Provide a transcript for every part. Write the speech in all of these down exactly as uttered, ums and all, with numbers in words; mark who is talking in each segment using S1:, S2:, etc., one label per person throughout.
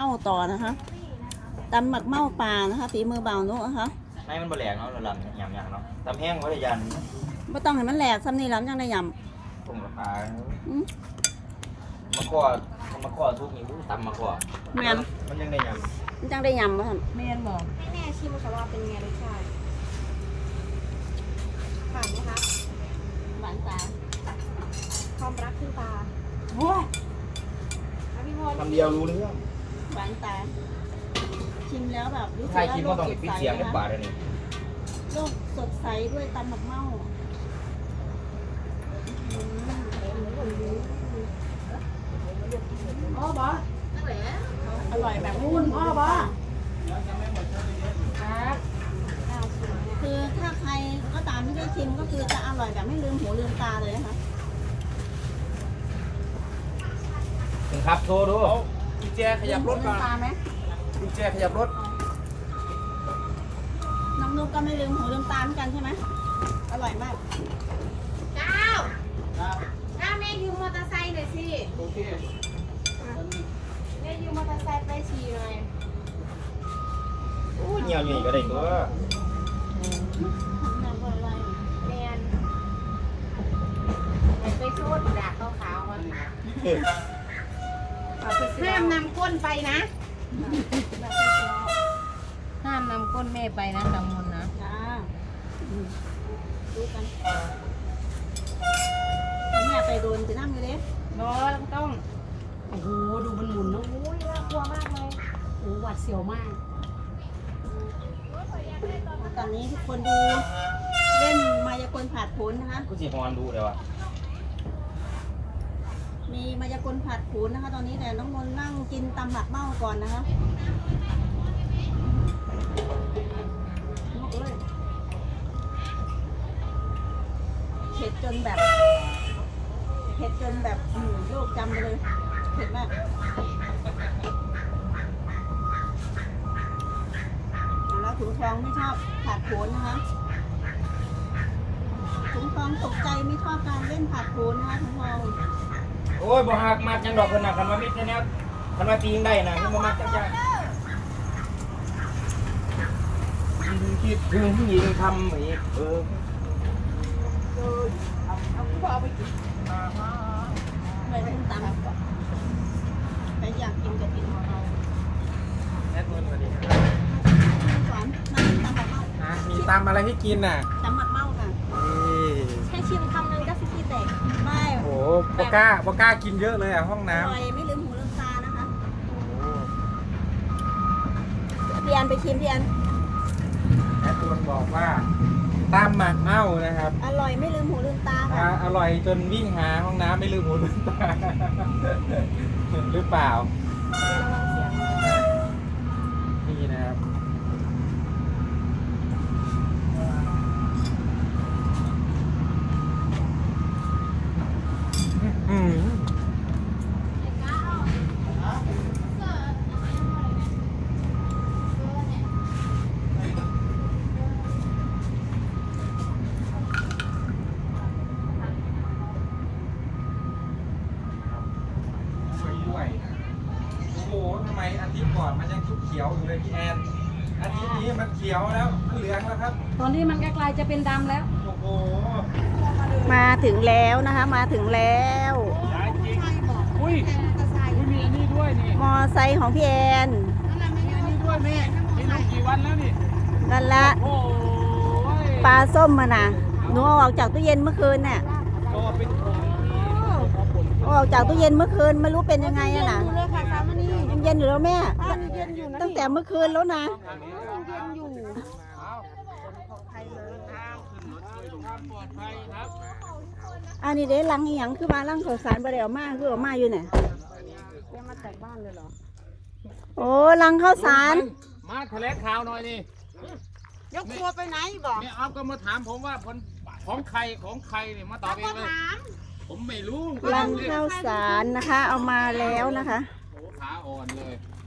S1: ต่อนะคะตำหมักเม่าปลานะคะฝีมือเบานุนะคะ
S2: ให้มันบะแหลกเนาะเราลำยำๆเนาะตำแห้งไว้ยัน
S1: ไม่ต้องให้มันแหลกซ้ำนี่แล้วยังได้ย
S2: ำตุ่มราคามะกอมะกอทุกนี่ตำมะกอมันยังได้ยำ
S1: มันยังได้ยำป่ะท่าน
S3: แม่นบอกให้แม่ชิมค่ะว่าเป็นไงรสชาติผ่านไหมคะ
S1: หวานตา
S3: ความรักขึ้นตา
S1: โอ้ย
S2: คำเดียวรู้เรื่อง
S1: หวานตาชิมแล้วแบบรู้สึก
S2: ใช่ชิมก็
S1: ว่า
S2: ต้องปิดเสียงในปากเลยนี่
S1: โลกสดใสด้วยตำหมักเม่า
S3: อ๋อบอ
S1: อร่อยแบบคุณพ่อบอคือถ้าใครก็ตามที่ได้ชิมก็คือจะอร่อยแบบไม่ลืมหูลืมตาเลยนะคะ
S2: ถึงครับโชว์ดูกุญแจขยับรถก่อนกุญแจขยับรถ
S1: น้องนุ๊กก็ไม่ลืมหูลืมตาเหมือนกันใช่ไหมอร่อยมาก
S3: เจ้าเจ้าแม่ยืมมอเตอร์ไซค์หน่อยสิโอเคแม่ยืมมอเตอร์ไซค์ไปขี่หน่อย
S2: โอ้ยเงียวอยู่ก็ได้ตัว
S3: แมนไปโซดดากขาวๆมันห้ามนำก้นไปนะห้ามนำก้นแม่ไปนะจำมนนะ
S1: จ้าดูกันแม่ไปโดนจะนั่งอยู่เด้
S3: รอต้องโอ้โหดูมันหมุนนะโอ้ยน่ากลัวมากเลยโอ้หวัดเสียวมาก
S1: ตอนนี้ทุกคนดูเล่นมายากลผัดผลนะคะ
S2: กูจีฮอนดูเลยวะ
S1: มีมายากลผัดผลนะคะตอนนี้แต่น้องมนนั่งกินตำหมักเม่าก่อนนะคะเผ็ดจนแบบเผ็ดจนแบบโลกจำไปเลยเผ็ดมากแล้วถุงทองไม่ชอบผัดโผนนะคะถุงทองตกใจไม่ชอบการเล่นผัดโผนนะคะถุงทอง
S2: โอ้ยบ่หักมากจังดอกคนน่ะคันว่ามิดแน่ๆคันว่าตีงได้นะมันบ่มักจังจังคิดถึงยิงทำอีกเออ
S3: เอาผู้บ่าวไปกิน
S1: ไปกินตำไปอยากกินกับกินของเรา
S2: แอดมินสวัสดีครับ
S1: สอนมากินตำหมักเม่า
S2: มีตำอะไรให้กินน่ะ
S1: ตำหมักเม่าค่ะแค่ชิมคำนึงก็ซิซี่แตกไม่
S2: โอ้โบก้าโบก้ากินเยอะเลยอ่ะห้องน้ำอ
S1: ร่อยไม่ลืมหูลืมตานะคะพี่อันไปชิมพี่อัน
S2: แอดมินบอกว่าตำหมักเม่านะครับ
S1: อร่อยไม่ลืมหูลืมตาค่ะ
S2: อร่อยจนวิ่งหาห้องน้ำไม่ลืมหูลืมตาหรือเปล่านี่นะครับอืมอาทิตย์ก่อนมันยังเขียวอยู่เลยพี่แอนอาทิตย์นี้มันเขียวแล้วมันเหลืองแล้วครับ
S3: ตอนนี้มันใกล้ๆจะเป็นดำแล้ว
S2: โอ้โห
S1: มาถึงแล้วนะคะมาถึงแล้ว
S2: อุ้ยมีอันนี้ด้วยนี่
S1: มอไซค์ของพี่แอน
S2: มีอันนี้ด้วยแม่นี่ลงกี่วันแล้วนี่
S1: นั่นละปลาส้มมาน่ะหนูเอาออกจากตู้เย็นเมื่อคืนเนี่ยเอาออกจากตู้เย็นเมื่อคืนไม่รู้เป็นยังไงอะน่ะยังเย็นอยู่แล้วแม่ตั้งแต่เมื่อคืนแล้วนะอันนี้เด้ลังอีหยังคือมาลังข้าวสารบะเดี่ยวมากคือออกมาอยู่เนี่ย
S3: มาจากบ้านเลยเหรอ
S1: โอ้ลังข้าวสาร
S2: มาแถลงข่าวหน่อยนี่
S3: ยกตัวไปไหนบอก
S2: เนี่ยเอาก็มาถามผมว่าผลของใครของใครเนี่ยมาตอบเองเลยผมไม่รู้
S1: ลังข้าวสารนะคะเอามาแล้วนะคะ
S2: โอ้ขาอ่อนเลย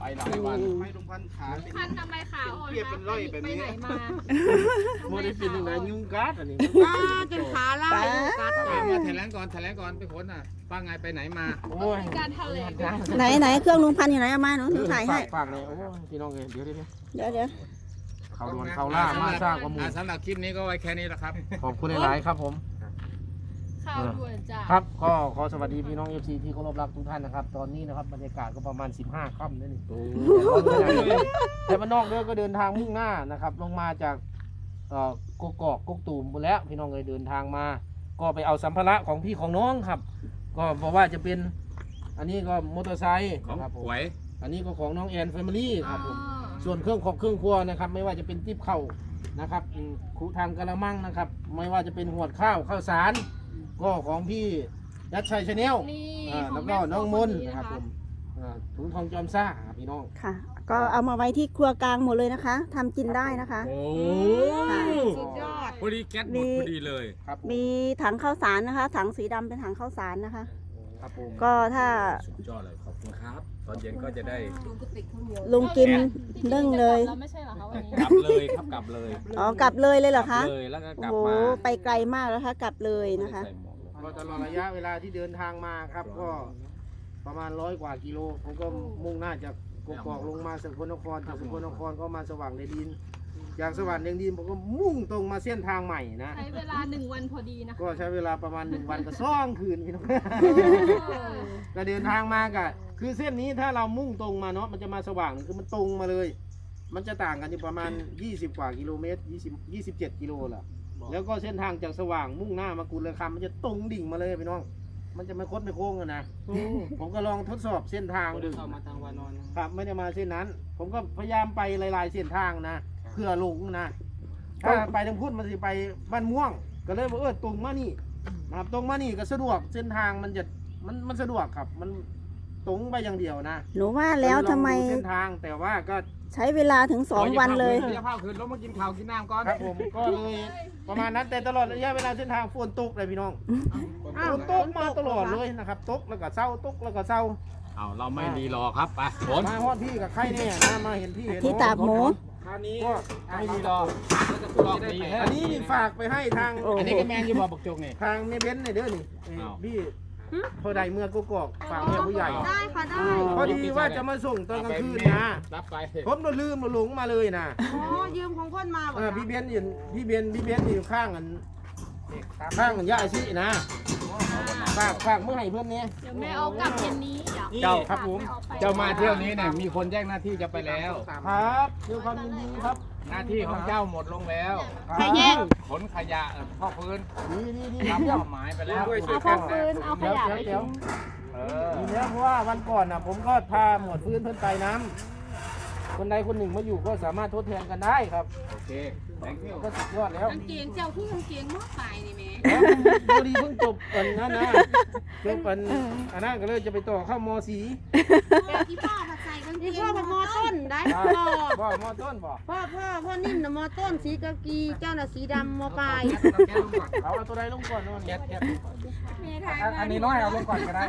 S2: ไปหลายวัน
S4: ให้ลุงพันขา
S3: ลุงพันทำไมขาอ่อน
S4: เปรียบเป็นร้อยแบบ
S3: ไป
S4: นี้
S3: ไหนมา
S4: โมได้เป็นยังไงยุงกัดอันนี้
S3: ป้าจนขาล่ากัด
S2: มาแถลงก่อนแถลงก่อนไปค้นอ่ะป้าไงไปไหนมา
S4: โอ้ย
S3: การทะเล
S1: ไหนไหนเครื่องลุงพันธุ์อยู่ไหนเอามาหนูหนูถ่ายให้
S4: ฝากเลยโอ้ยพี่น้องเองเดี๋ยวเดี๋ยว
S1: เดี๋ยวเดี๋ยว
S4: เขาดวนเขาล่ามาสร้างข้อมูล
S2: อ่ะสำหรับคลิปนี้ก็ไว้แค่นี้แหละครับ
S4: ขอบคุณหลายๆครับผม
S3: ข่าวด่วนจ้ะ
S4: ครับก็ขอสวัสดีพี่น้อง เอฟ ซี ที่เคารพรักทุกท่านนะครับตอนนี้นะครับบรรยากาศก็ประมาณสิบห้าค่ำนั่นเองแต่บ้านนอกเด้อก็เดินทางมุ่งหน้านะครับลงมาจากเอ่อกกอกกกตูมหมดแล้วพี่น้องเลยเดินทางมา ก็ไปเอาสัมภาระของพี่ของน้องครับ ก็บอกว่าจะเป็นอันนี้ก็มอเตอร์ไซค์
S2: ของ
S4: ครับผม
S2: หวย
S4: อันนี้ก็ของน้องแอนแฟมิลี่ครับผมส่วนเครื่องของเครื่องครัวนะครับไม่ว่าจะเป็นติ๊บเข่านะครับอืมคุทางกระมังนะครับไม่ว่าจะเป็นหวดข้าวข้าวสารก็ของพี่ยัดชัยชาแนล
S3: นี่
S4: อ่า
S3: ขอ
S4: แล้
S3: ง
S4: ว
S3: แม่
S4: ก็น้องมนต์
S3: โฟ
S4: นะครับ
S3: ค
S4: ผมอ่าถุงทองจอมซ่าครับพี่น้อง
S1: ค่ะ ก็เอามาไว้ที่ครัวกลางหมดเลยนะคะทำกินได้นะคะ
S2: โอ้
S3: สุดยอด
S2: พอดีแก๊สหมดพอดีเลย
S4: ครับผม
S1: มีถังข้าวสารนะคะ ถังสีดำเป็นถังข้าวสารนะคะ
S4: ครับผม
S1: ก็ถ้า
S2: สุดยอดเลยขอบคุณครับ ตอนเย็นก็จะได้
S1: ลุงกินนึ่งเลย
S3: เราไม่ใช่เหรอคะวันนี้
S2: กลับเลยครับกลับเลย
S1: อ๋อกลับเลยเลยเหรอคะ
S2: เลยแล้วก็ก
S1: โอ้
S2: ลับ
S1: โห
S2: มา
S1: ไปไกลมากแล้วคะกลับเลยนะคะ
S2: ใส่หมวกเลย
S4: ก็ตลอดระยะเวลาที่เดินทางมาครับก็ประมาณร้อยกว่ากิโลผมก็มุ่งหน้าจากกกอกลงมาสกลนครจากสกลนครก็มาสว่างแดนดินจากสว่างแดนดินผมก็มุ่งตรงมาเส้นทางใหม่นะ
S3: ใช้เวลาหนึ่งวันพอดีนะคะ
S4: ก็ใช้เวลาประมาณหนึ่งวันกับซ่องคืนพี่น้อง ก็เดินทางมากะคือเส้นนี้ถ้าเรามุ่งตรงมาเนาะมันจะมาสว่างคือมันตรงมาเลย มันจะต่างกันอยู่ประมาณยี่สิบกว่ากิโลเมตรยี่สิบ ยี่สิบเจ็ดกิโลแหละแล้วก็เส้นทางจากสว่างมุ่งหน้ามากุลคำมันจะตรงดิ่งมาเลยพี่น้อง มันจะไม่คดไม่โค้งกันนะผมก็ลองทดสอบเส้นทางดูครับไม่ได้มาเส้นนั้น ผมก็พยายามไปหลายๆเส้นทางนะเพื่อลงนะถ้าไปทางพุทธมันจะไปบ้านม่วง ก็เลยบอกเออตรงมานี่นะครับตรงมานี่ก็สะดวกเส้นทางมันจะมันมันสะดวกครับ มันตรงไปอย่างเดียวนะ
S1: หนูว่าแล้วทำไม
S4: ลองดูเส้นทางแต่ว่าก็
S1: ใช้เวลาถึงสองวันเลย
S2: เดี๋ยวพาคืนลงมากินข้าวกินน้ำก่อน
S4: ครับผมก็เลยประมาณนั้นแต่ตลอดระยะเวลาเส้นทางฝนตกเลยพี่น้องฝนตกมาตลอดเลยนะครับตกแล้วก็เศร้าตกแล้วก็เศร้า
S2: เอาเราไม่รีรอครับไปฝน
S4: มาฮอดพี่กับใครเนี่ยนะมาเห็นพี่เห็น
S1: ที่ตากหมู
S2: คราวนี้
S4: ก็
S2: ไม่รีรอบอกดีแค่
S4: อันนี้นี่ฝากไปให้ทาง
S1: โอ้
S2: อันนี้ก็แมนอยู่บอกบักจกนี่
S4: ทางเมเบนซ์เนี่ยเด้อนี่เอ้ย
S2: อ้าว
S4: พี่พอใดเมื่อกูกอกฝากแม่ผู้ใหญ่
S3: ได้ค่ะได้
S4: พอดีว่าจะมาส่งตอนกลางคืนนะ
S2: รับไป
S4: ผมโดนลืมมาหลงมาเลยนะ
S3: อ๋อยืมของคนมา
S4: เออพี่เบนซ์อยู่พี่เบนซ์พี่เบนซ์อยู่ข้างกันข้างกันย่าอาชีนะฝากฝากเมื่อไหร่เพื่อนเนี้ย
S3: เดี๋ยวแม่เอากลับเย็นนี้เดี๋ยว
S2: เจ้า
S4: ครับผม
S2: เจ้ามาเที่ยวนี้เนี่ยมีคนแจ้งหน้าที่จะไปแล้ว
S4: ครับด้วยความยินดีครับ
S2: หน้าที่ของเจ้าหมดลงแล้ว
S4: ใครแย่ง
S2: ขนขยะเอ่อพ่อพื้น
S4: ดีดีดี
S2: รับ
S4: เดี๋ยว
S2: เป้าหมายไปแล้ว
S3: เอาพอฟืนเอาข
S4: เดี๋ยวย
S3: ะ
S4: เดี๋ยว
S3: ไป
S4: เดี๋ยว
S3: ทิ้ง
S2: เออ
S4: ดีแล้วเพราะว่าวันก่อนน่ะ ผมก็พาหมวดพื้นเพื่อนไปน้ำคนใดคนหนึ่งมาอยู่ก็สามารถทดแทนกันได้ครับ
S2: โอเค thank you
S4: ก็สุดยอดแล้ว
S3: กางเกงเจ้าคือกางเกงมอกไปนี่แม่
S4: แล้วพอดีเพิ่งจบอันนั้นนะจบอันอันนั้นก็เลยจะไปต่อเข้ามสี
S3: ที่พ่อผัดใส่กางเกง
S5: นี่พ่อเป็นมอต้นได้
S4: ครับ
S5: พ่อ
S4: บ่มอต้นบ่
S5: พ่อพ่อพ่อนิ่มนะมอต้นสีกากีเจ้าน่ะสีดำมอปลาย
S4: เอาเอาตัวใดลงก่อนโน่น
S2: แก๊สแก๊ส
S3: แม่ทาย
S2: อันนี้น้อยเอาลงก่อนก็ได้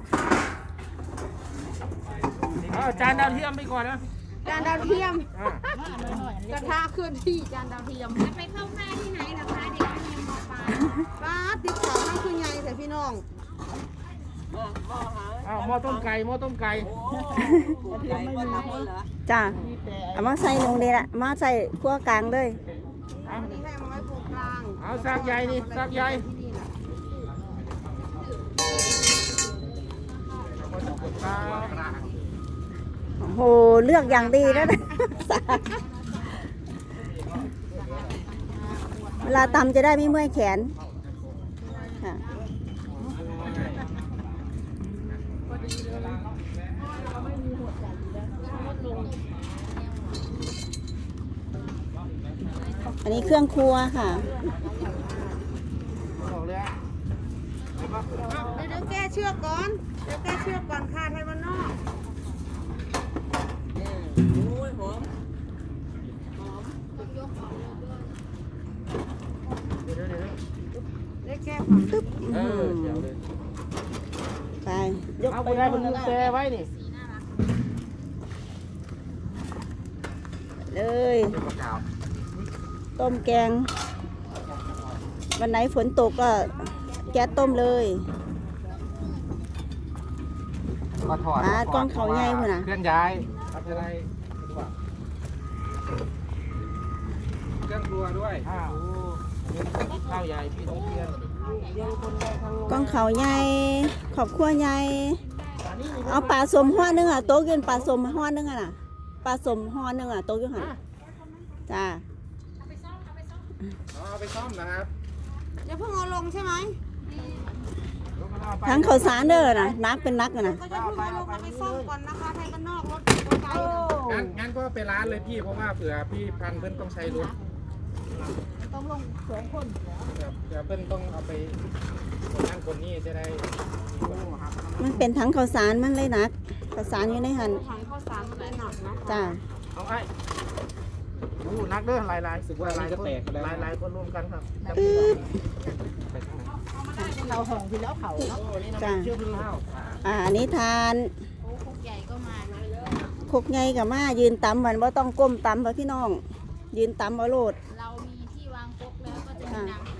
S4: เอาจานดาวเทียมไปก่อนนะ
S5: จานดาวเทียม
S4: อ่าก
S5: ระทะเคลื่อนที่จานดาวเทียม
S3: จะไปเข้าค่ายที่ไหนล่ะคะเด็กเรียนมปลาย
S5: ป้าติดเสาข้างคือไงแต่พี่น้อง
S4: เอาหม้อต้มไก่หม้อต้มไก่
S1: จ้าเอามาใส่ลงเลยละมาใส่ครัวกลางเลย
S5: อันนี้ให้มาไว้โปรกลาง
S4: เอาซากใหญ่นี่ซากใหญ่
S5: ที่นี่น่ะ
S1: โอ้โหเลือกอย่างดีแล้วนะ เวลาตำจะได้ไม่เมื่อยแขนค่ะอันนี้เครื่องครัวค่ะ
S4: บอกเลยอะ
S5: เดี๋ยวเดี๋ยวแก้เชือกก่อนเดี๋ยวแก้เชือกก่อนค่ะไทยวันนอก
S4: เดี๋ยวเดี๋ยวเดี๋ยว
S5: ได้แก้ผัก
S1: ตึ๊บ
S4: เออเดี๋ยวเลย
S1: ไปยก
S4: เอา
S1: ไป
S4: ไปได้บนมือแปรไว้นี่
S1: เลย
S4: เดี๋ยวประกาศ
S1: ต้มแกง วันไหนฝนตกก็แก๊สต้มเลย
S4: ก็ถอด
S1: อ่ากล้องเขาใหญ่พุ่นน่ะ
S4: เคลื่อนย้ายครับจะได้สะดวกเครื่องครัวด้วยข้าวข้าวใหญ่พี่ต้องเพียน
S1: กล้องเขาใหญ่ขอบครัวใหญ่เอาปลาสมห่อนึงอ่ะโต๊ะกินปลาสมห่อนึงอ่ะน่ะปลาสมห่อนึงอ่ะโต๊ะกินหันจ้า
S4: เอาไปซ่อมนะครับ
S5: อย่าเพิ่งเอาลงใช่ไหม
S1: ทั้งข้าวสารเด้อนะนักเป็นนักอะนะ
S5: ก็จะเพิ่งเอาลงเอาไปซ่อมก่อนนะคะไทยบ้านนอกรถมอเตอร์ไซค์น่ะ
S4: งั้นงั้นก็ไปร้านเลยพี่เพราะว่าเผื่อพี่พันเพิ่นต้องใช้รถ
S5: ต้องลงสองคน
S4: เดี๋ยวเดี๋ยวเพิ่นต้องเอาไปคนนั้นคนนี้จะได้
S1: มันเป็นทั้งข้าวสารมันเลยนักข้าวสารอยู่ในหัน
S5: ถังข้าวสารมันได้หนักนะ
S1: จ้า
S4: เอาไอ้อู้นักเด้อหลายหลายสึกว่าหลายคนหลายหลายคนรวมกันครับไปทางไหน
S5: เราห่องที่แล้วเขา
S4: โอ้นี่น้ำมันเชื่อมข้าว
S1: อ่าอันนี้ทาน
S3: โอ้คุกใหญ่ก็มาเลย
S1: คกไงกับมายืนตำมันว่าต้องก้มตำเพราะพี่น้อง ยืนตำเอาโลด
S3: เรามีที่วางครกแล้วก็จะมีน้ำไหล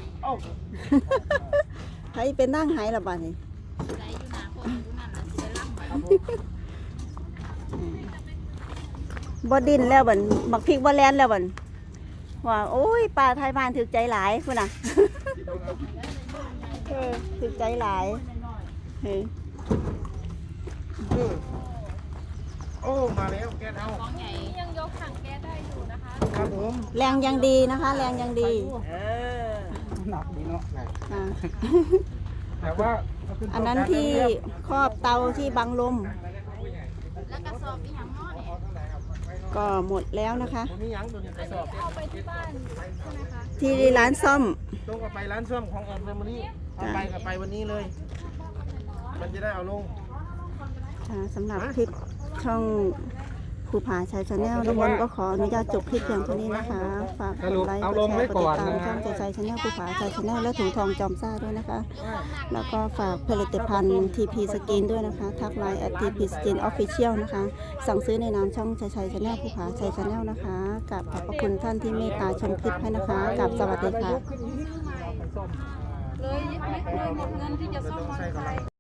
S1: ใครเป็นนั่งหายละบ้านี่
S3: ไหลอยู่หนาครกอยู่นั่นน่ะสิได้ล่ำไว้
S1: บ่ดินแล้วบันบักพริกบ่แลนแล้วบันว่าโอ้ยปลาไทยบ้านถึกใจหลายพุ่นน่ะ เออถึกใจหลายเฮ้ย
S4: โอ้มาแล้วแกเอา
S3: ของใหญ่ยังยกถังแก๊สได้อยู่นะคะ
S4: ครับผม
S1: แรงยังดีนะคะ แรงยังดี
S4: หนักดีเนาะ
S1: อ่า
S4: แต่ว่า
S1: อันนั้นที่ครอบเตาที่บังลม
S3: แล้วกระสอบอีหยังเนาะเนี่ย
S1: ก็หมดแล้วนะคะ
S4: ผมมีหยังตัวนี้ไปสอบ
S3: เอาไปที่บ้านใช่ไหมคะ
S1: ที่ร้านซ่อม
S4: ต้องเอาไปร้านซ่อมของแอนเฟมิลี่เอาไปกับไปวันนี้เลย มันจะได้เอาลง
S1: ค่ะสำหรับคลิปช่องภูผาชัยชาแนลน้องมนต์ก็ขออนุญาตจบคลิปเพียงเท่านี้นะคะ ฝากกดไลค์กดแชร์กดติดตามช่องชัยชัยชาแนลภูผาชัยชาแนลและถุงทองจอมซ่าด้วยนะคะ แล้วก็ฝากผลิตภัณฑ์ ที พี Skin ด้วยนะคะ ทักไลน์ แอท ที พี Skin Official นะคะ สั่งซื้อในนามช่องชัยชัยชาแนลภูผาชัยชาแนลนะคะกับขอบพระคุณท่านที่เมตตาชมคลิปให้นะคะกับสวัสดีค่ะ
S5: เลยเลยหมดเงินที่จะซ่อมมอเตอร์ไซค์